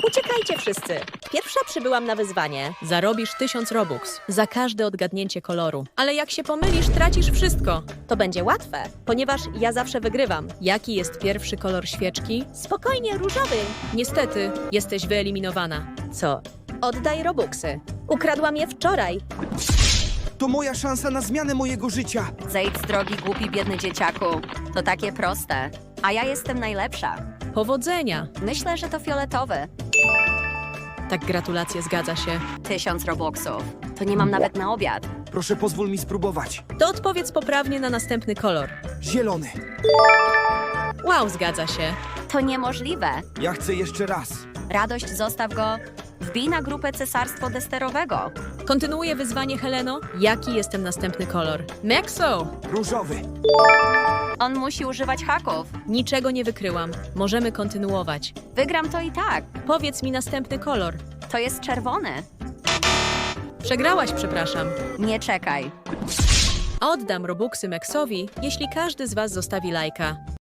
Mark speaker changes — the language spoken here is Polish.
Speaker 1: Uciekajcie wszyscy. Pierwsza przybyłam na wyzwanie.
Speaker 2: Zarobisz 1000 Robux za każde odgadnięcie koloru. Ale jak się pomylisz, tracisz wszystko.
Speaker 1: To będzie łatwe, ponieważ ja zawsze wygrywam.
Speaker 2: Jaki jest pierwszy kolor świeczki?
Speaker 1: Spokojnie, różowy.
Speaker 2: Niestety, jesteś wyeliminowana.
Speaker 1: Co? Oddaj Robuxy. Ukradłam je wczoraj.
Speaker 3: To moja szansa na zmianę mojego życia.
Speaker 4: Zejdź z drogi, głupi, biedny dzieciaku. To takie proste. A ja jestem najlepsza.
Speaker 2: Powodzenia!
Speaker 4: Myślę, że to fioletowy.
Speaker 2: Tak, gratulacje, zgadza się.
Speaker 4: 1000 Robuxów. To nie mam nawet na obiad.
Speaker 3: Proszę, pozwól mi spróbować.
Speaker 2: To odpowiedz poprawnie na następny kolor.
Speaker 3: Zielony.
Speaker 2: Wow, zgadza się.
Speaker 4: To niemożliwe.
Speaker 3: Ja chcę jeszcze raz.
Speaker 4: Radość, zostaw go. Wbij na grupę Cesarstwo Desterowego.
Speaker 2: Kontynuuję wyzwanie, Heleno. Jaki jest ten następny kolor? Maxo!
Speaker 3: Różowy.
Speaker 4: On musi używać haków.
Speaker 2: Niczego nie wykryłam. Możemy kontynuować.
Speaker 4: Wygram to i tak.
Speaker 2: Powiedz mi następny kolor.
Speaker 4: To jest czerwony.
Speaker 2: Przegrałaś, przepraszam.
Speaker 4: Nie czekaj.
Speaker 2: Oddam Robuxy Maxowi, jeśli każdy z was zostawi lajka.